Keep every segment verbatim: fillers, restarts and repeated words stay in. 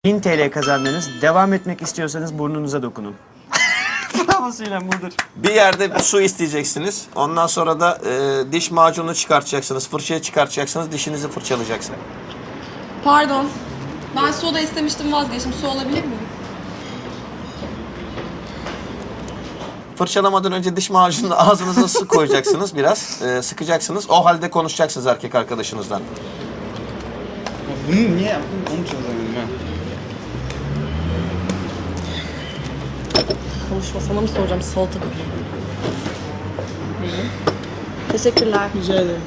bin T L kazandınız. Devam etmek istiyorsanız burnunuza dokunun. Bravo Sinem, budur. Bir yerde su isteyeceksiniz. Ondan sonra da e, diş macunu çıkartacaksınız. Fırçayı çıkartacaksınız. Dişinizi fırçalayacaksınız. Pardon. Ben soda istemiştim, vazgeçtim. Su alabilir miyim? Fırçalamadan önce diş macununu ağzınıza su koyacaksınız biraz. E, sıkacaksınız. O halde konuşacaksınız erkek arkadaşınızdan. Bunu niye yaptın? Onu çözemedim ben. Konuşma, sana mı soracağım? Salata koyayım. Teşekkürler. Rica ederim.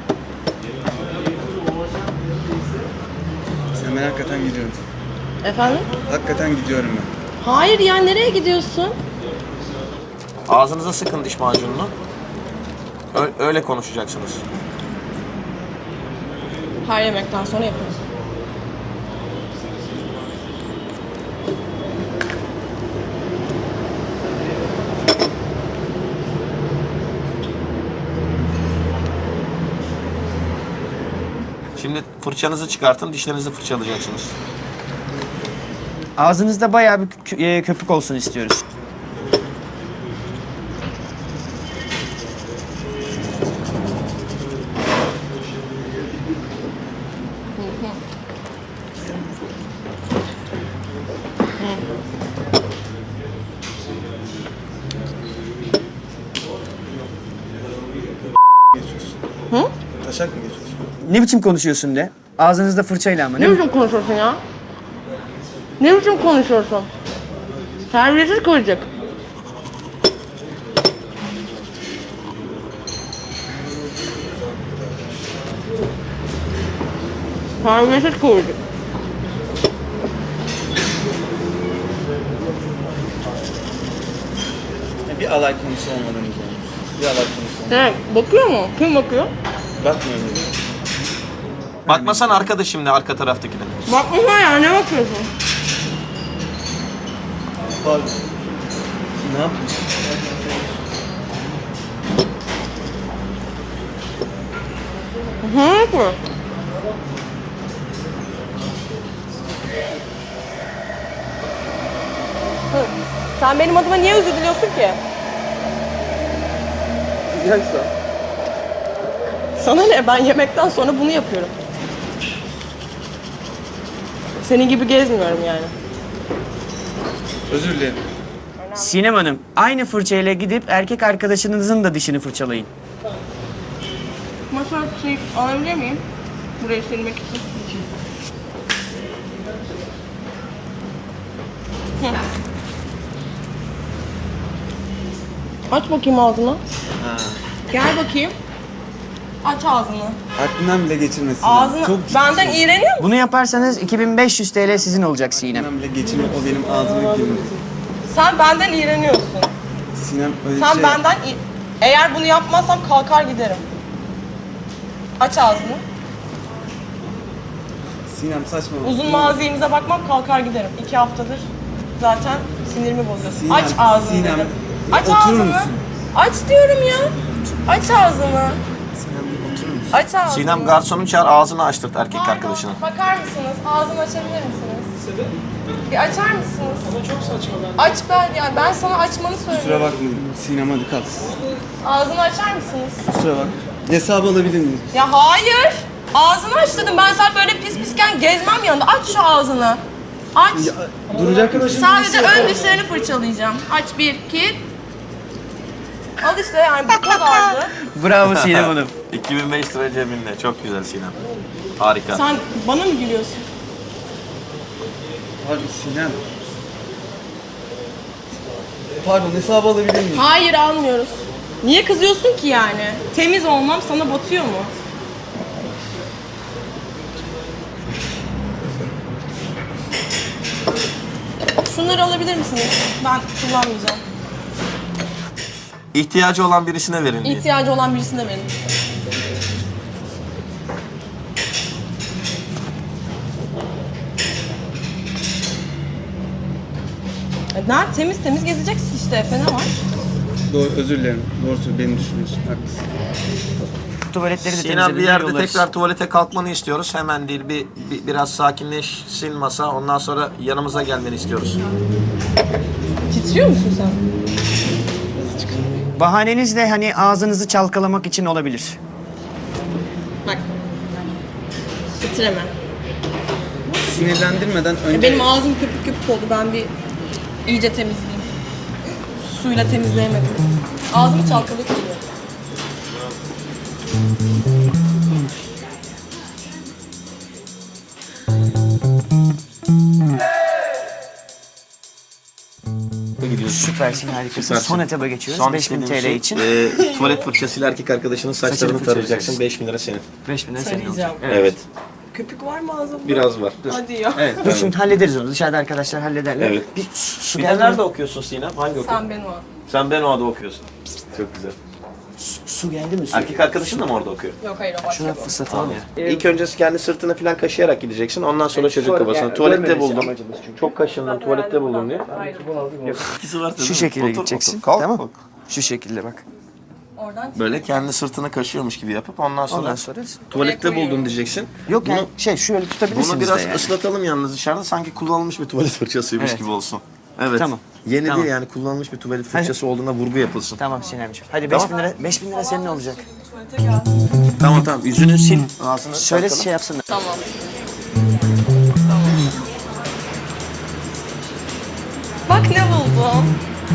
Sen ben hakikaten gidiyorum. Efendim? Hakikaten gidiyorum ben. Hayır ya, nereye gidiyorsun? Ağzınıza sıkın diş macununu. Ö- öyle konuşacaksınız. Her yemekten sonra yaparız. Şimdi fırçanızı çıkartın. Dişlerinizi fırçalayacaksınız. Ağzınızda bayağı bir kö- e, köpük olsun istiyoruz. Geçiyorsun. Hı? Taşak mı geçiyorsun? Ne biçim konuşuyorsun de? Ağzınızda fırçayla ama. Ne Ne biçim konuşuyorsun ya? Ne biçim konuşuyorsun? Terbiyesiz koyacak. Terbiyesiz koyacak. Ya bir alay konusu olmadığımız olmuş. Bir alay konusu olmadı. Ne? Bakıyor mu? Kim bakıyor? Bakmıyor muyum? Bakmasan arkadaşım ne arka taraftakine. Bakma ya, ne bakıyorsun? Pardon. Ne yapıyorsun? Ne yapıyor? Hı. Sen benim adıma niye özür diliyorsun ki? Güzel şu an. Sana ne? Ben yemekten sonra bunu yapıyorum. Senin gibi gezmiyorum yani. Özür dilerim. Sinem Hanım, aynı fırçayla gidip erkek arkadaşınızın da dişini fırçalayın. Masa şey alabilir miyim? Burayı silmek için. Hı. Aç bakayım ağzını. Ha. Gel bakayım. Aç ağzını. Aklından bile geçirmesin. Ağzını Çok benden iğreniyor musun? Bunu yaparsanız iki bin beş yüz T L sizin olacak Sinem. Aklından bile geçirme. O benim ağzıma girmedi. Sen benden iğreniyorsun. Sinem öyle Sen şey... benden i- eğer bunu yapmazsam kalkar giderim. Aç ağzını. Sinem saçma. Uzun mazimize bakmam, kalkar giderim. İki haftadır zaten sinirimi bozuyorsun. Sinem, Aç ağzını Sinem, dedim. Aç oturur ağzını. musun? Aç diyorum ya. Aç ağzını. Sinem oturur musun? Aç ağzını. Sinem garsonu çağır ağzını açtırt erkek Pardon, arkadaşına. bakar mısınız? Ağzını açabilir misiniz? Bir açar mısınız? Ama çok saçma ben. Aç ben, yani ben sana açmanı Kusura söylüyorum. bakmayın. Sinem hadi kalk. Ağzını açar mısınız? Kusura bak. Hesabı alabilir miyim? Ya hayır. Ağzını aç dedim. Ben sen böyle pis pisken gezmem yanında. Aç şu ağzını. Aç. Ya, duracak mısın? Sadece ön dişlerini fırçalayacağım. Aç bir, iki. Al işte yani bu kadardı. Bravo Sinem Hanım. iki bin beş lira cebinde. Çok güzel Sinem. Harika. Sen bana mı gülüyorsun? Pardon Sinem. Pardon hesabı alabilir miyim? Hayır, almıyoruz. Niye kızıyorsun ki yani? Temiz olmam sana batıyor mu? Şunları alabilir misiniz? Ben kullanmayacağım. İhtiyacı olan birisine verin diye. İhtiyacı olan birisine verin. E, nerede? Temiz temiz gezeceksin işte Efe, ne var? Doğru, özür dilerim. Doğru söylüyorsun. Beni düşünüyorsun. Haklısın. tuvaletleri de Sinan temizledim. bir yerde yollarız. tekrar tuvalete kalkmanı istiyoruz. Hemen değil bir, bir biraz sakinleşsin masa. Ondan sonra yanımıza gelmeni istiyoruz. Titriyor musun sen? Bahaneniz de hani ağzınızı çalkalamak için olabilir. Bak. Titreme. Sinirlendirmeden önce... Ya benim ağzım köpük köpük oldu. Ben bir iyice temizleyeyim. Suyla temizleyemedim. Ağzımı çalkalık geliyor. Süpersin, harikasın. Süpersin. Son etaba geçiyoruz. Son beş bin istediğim T L şey, için. e, tuvalet fırçasıyla erkek arkadaşının saçlarını Saçını tarayacaksın. fırçalayacaksın. beş bin lira senin. beş bin lira senin Söyleyeceğim. olacak. Evet. Köpük var mı ağzımda? Biraz var. Hadi ya. Evet, dur şimdi hallederiz onu. Dışarıda arkadaşlar hallederler. Evet. Bir su, su Bir de geldi nerede mi? okuyorsun Sinem? Hangi okul? Sen beni o. Sen Benoa'da okuyorsun. Çok güzel. Su, su geldi mi? Su. Erkek arkadaşın da mı orada okuyor? Yok hayır o başka Şuna bu. fıslatalım ya. İlk önce kendi sırtını falan kaşıyarak gideceksin. Ondan sonra çocuk sonra kafasını. yani Tuvalette görmemesi buldum. amacımız çünkü. Çok kaşındım. Tuvalette buldum diye. İkisi var. Şu şekilde gideceksin. Kalk, tamam. kalk. Şu şekilde bak. Oradan Böyle kendi sırtını kaşıyormuş gibi yapıp ondan sonra, Ondan sonra tuvalette Oraya koyuyorum. buldum diyeceksin. yok yani Bunu- şey şöyle tutabilirsiniz Bunu biraz de yani. ıslatalım yalnız dışarıda. Sanki kullanılmış bir tuvalet fırçasıymış Evet. gibi olsun. Evet. Tamam. Yeni Tamam. değil yani kullanılmış bir tuvalet fırçası olduğuna vurgu yapılsın. Tamam Sinemciğim. Hadi beş bin lira, beş bin lira senin olacak. tuvalete gel. Tamam tamam. Yüzünü sil. Ağzını Şöyle çalkala. şey yapsınlar. Tamam. Bak ne buldum.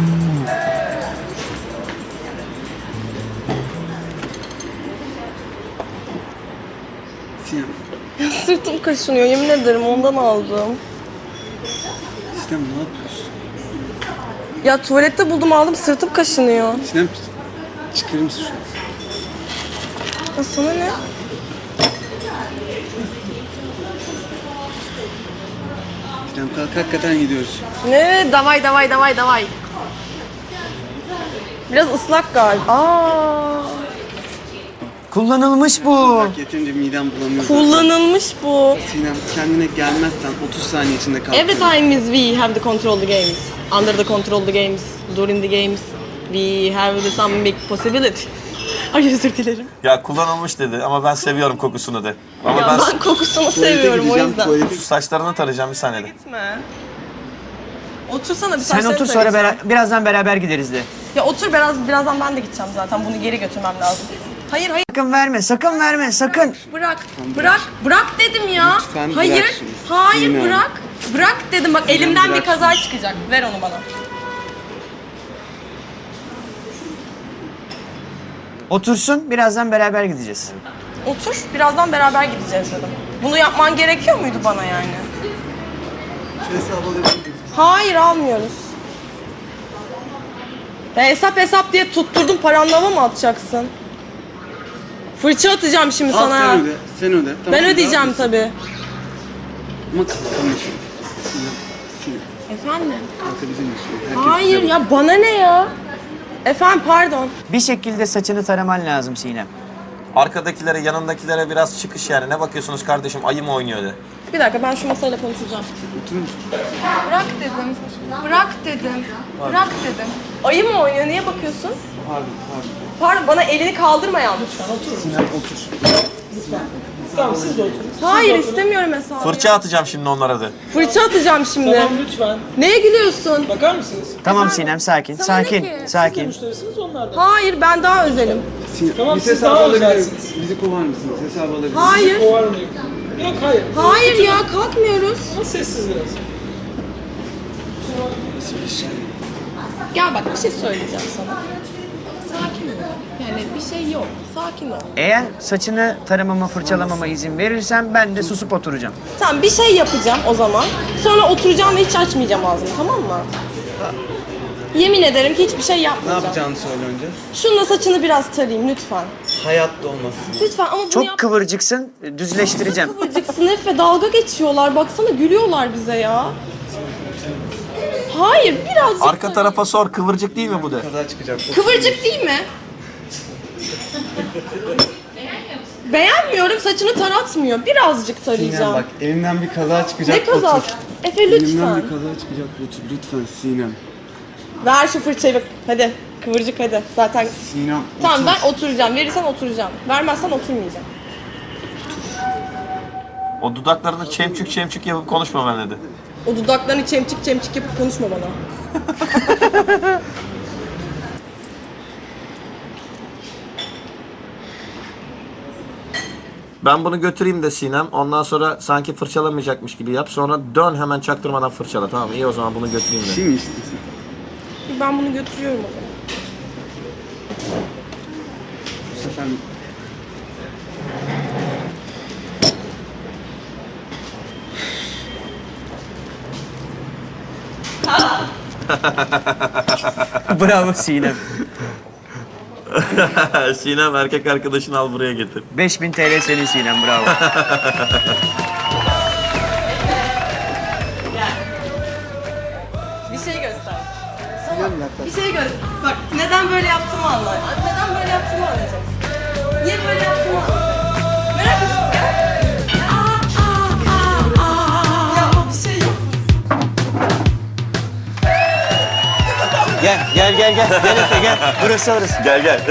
Sinem, Ya sırtım kaşınıyor yemin ederim ondan aldım. Sinem ne yapıyorsun? Ya tuvalette buldum aldım sırtım kaşınıyor. Sinem çıkarır mısın şunu? Ya sana ne? Sinem kalk hakikaten gidiyoruz. Ne? Davay davay davay davay. Biraz ıslak galiba. Aa, Kullanılmış bu. Bak yeterince midem bulanıyor zaten. kullanılmış bu. Sinem kendine gelmezsen otuz saniye içinde kalk. Every time is we have the control the games. Under the control the games. During the games. We have the some big possibility. Ay özür dilerim. Ya kullanılmış dedi ama ben seviyorum kokusunu de. Ama Ya ben, ben kokusunu Tuvalete seviyorum o gideceğim, yüzden. tuvalete- şu saçlarını tarayacağım bir saniyede. Gitme. Otursana bir Sen saçlarını otur sonra tarayacağım. bera- birazdan beraber gideriz de. Ya otur biraz birazdan ben de gideceğim zaten. Bunu geri götürmem lazım. Hayır hayır Sakın verme, sakın verme, sakın. bırak. Bırak. Bırak dedim ya. Lütfen bırak Hayır. şunu. Hayır Sinem. bırak. Bırak dedim bak elimden bırak bir kaza çıkacak. Ver onu bana. Otursun, birazdan beraber gideceğiz. Otur. Birazdan beraber gideceğiz dedim. Bunu yapman gerekiyor muydu bana yani? Şu hesabı alabilir miyim? Hayır almıyoruz. Ya hesap hesap diye tutturdun paranlama mı atacaksın? Fırça atacağım şimdi Al sana. sen öde. Sen öde. Tamam, Ben mı? ödeyeceğim Rahat mısın? tabii. Ama kalkamışım. Sinem. Sinem. Efendim? Kalkabilir misin? Herkes Hayır bize ya bana ne ya? Efendim pardon. Bir şekilde saçını taraman lazım Sinem. Arkadakilere, yanındakilere biraz çıkış yani. Ne bakıyorsunuz kardeşim? Ayı mı oynuyor de. Bir dakika ben şu masayla konuşacağım. oturur musun? Bırak dedim. Bırak dedim. Bırak dedim. Ayı mı oynuyor? Niye bakıyorsun? Pardon, pardon. Pardon bana elini kaldırma yalnız. Sinem otur. Hayır istemiyorum hesabı. Fırça atacağım şimdi onlara de. Fırça atacağım şimdi. Tamam lütfen. Neye gülüyorsun? Bakar mısınız? Tamam Sinem, sakin, Sana ne sakin, ki? sakin. Müşterisiniz onlardan. Hayır ben daha özelim. Sinem, Tamam, biz siz hesabı daha alabilir özelsiniz. miyiz? Bizi kovar mısınız? Hesabı alabilir miyiz? Hayır. Kovar mıyım? Yok hayır. Hayır ya kalkmıyoruz. Ama sessiz biraz. Nasıl bir şey? Gel bak bir şey söyleyeceğim sana. Sakin ol. Yani bir şey yok. Sakin ol. Eğer saçını taramama, fırçalamama izin verirsen ben de susup oturacağım. Tamam bir şey yapacağım o zaman. Sonra oturacağım ve hiç açmayacağım ağzımı tamam mı? Yemin ederim ki hiçbir şey Ne yapmayacağım. yapacağını söyle önce. Şununla saçını biraz tarayayım lütfen. Hayatta olmaz. Lütfen ama bunu Çok yap. kıvırcıksın, düzleştireceğim. Kıvırcıksın hep ve dalga geçiyorlar. Baksana gülüyorlar bize ya. Hayır birazcık Arka da- tarafa sor. Kıvırcık değil mi bu de? Kaza çıkacak. Kıvırcık değil mi? Beğenmiyorum saçını taratmıyor. Birazcık Sinem tarayacağım. bak elimden bir kaza çıkacak. Ne kazası? Otur. Efe Elimden lütfen. bir kaza çıkacak. Otur lütfen Sinem. Ver şu fırçayı bak. Hadi. Kıvırcık hadi. Zaten Sinem tamam otur. ben oturacağım. Verirsen oturacağım. Vermezsen oturmayacağım. O dudaklarını çemçük çemçük yapıp konuşma ben dedi. O dudaklarını çemçik çemçik yapıp konuşma bana. Ben bunu götüreyim de Sinem. Ondan sonra sanki fırçalamayacakmış gibi yap. Sonra dön hemen çaktırmadan fırçala. Tamam iyi o zaman bunu götüreyim de. Şey mi içtin sen? Ben bunu götürüyorum o zaman. Bu sefer Bravo Sinem. Sinem erkek arkadaşını al buraya getir. beş bin T L senin Sinem, bravo. Bir şey göster. Sinem yaklaş. Bir şey göster. Bak neden böyle yaptığımı anla. Neden böyle yaptığımı anlayacaksın. Niye böyle yaptığımı anlayacaksın. Merak ediyorsun ya. Ya bir şey yok. Gel, gel, gel, gel. Gel Efe, gel. Burası orası. Gel gel.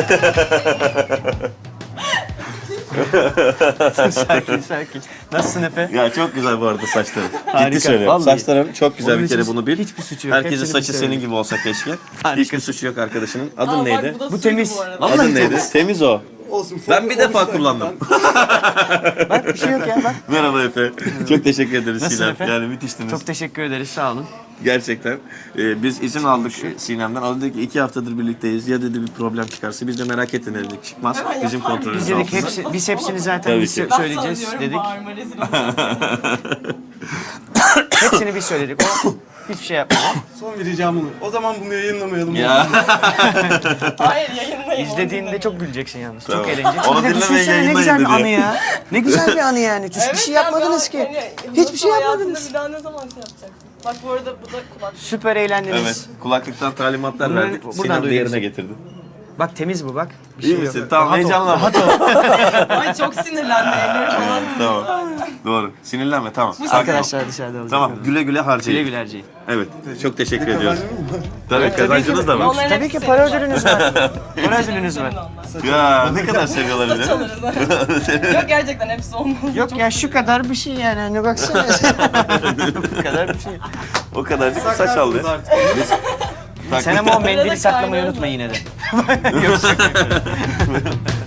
Sakin, sakin. Nasılsın Efe? Ya çok güzel bu arada saçların. Harika, Ciddi söylüyorum. vallahi. Saçların çok güzel Onun bir kere hiçbir- bunu bil. hiçbir suçu yok. Herkesin Hepsini saçı biz senin söyledik. gibi olsa keşke. Harika. Hiçbir suçu yok arkadaşının. Adın Aa, bak, neydi? bu da Bu suydu temiz. bu arada. Vallahi Adın neydi? temiz. Temiz o. Olsun. Ben bir defa kullandım. Bak bir şey yok ya, bak. Merhaba Efe. Çok teşekkür ederiz Nasılsın Sinem. Efe? Yani müthiştiniz. Çok teşekkür ederiz, sağ olun. Gerçekten. Ee, biz izin aldık Sinem'den. O dedi ki iki haftadır birlikteyiz. Ya dedi bir problem çıkarsa biz de merak ettin dedik. Çıkmaz. Bizim Biz kontrolümüz dedik altında. hepsi, biz hepsini zaten Tabii biz ki. sö- söyleyeceğiz dedik. Bağırma rezil olacağız. Hepsini biz söyledik. O hiçbir şey yapmadı. Son bir ricam olur. O zaman bunu yayınlamayalım. Ya. Hayır yayınlayın. İzlediğinde çok güleceksin yalnız. Tamam. Çok eğleneceksin. Onu Bir de dinlemeyin, düşünsene ne yayınlayın güzel bir dedi. anı ya. Ne güzel bir anı yani. Hiçbir Evet şey ya, yapmadınız ben- ki. yani Hiçbir şey hayatında yapmadınız. Bir daha ne zaman şey yapacaksın? Bak bu arada bu da kulak. Süper eğlendiniz. Evet. Kulaklıktan talimatlar Bunları verdik. buradan Sinem de duyuyoruz. yerine getirdi. Bak temiz bu bak. Bir İyi şey misin? yok. Tamam Rahat ol, heyecanlanma. rahat ol. Ay çok sinirlendi elleri falan. Tamam. Doğru. Sinirlenme tamam. Sakin ol. Arkadaşlar dışarıda olacak. Tamam. Güle güle harcayın. Güle güle harcayın. Evet. Çok teşekkür ediyoruz. Kazancımız mı var? Tabii kazancınız da var. Onların Tabii hepsi ki para senin ödülünüz var. Para ödülünüz var. Ya ne kadar seviyorlar Saç bizi. alırız. Yok gerçekten hepsi olmaz. Yok ya şu kadar bir şey yani. Hani baksana. Bu kadar bir şey. O kadarcık saç aldı. Saklarsınız artık. Sen ama o mendili Arada saklamayı kaynar unutma mı? yine de. Yok şaka.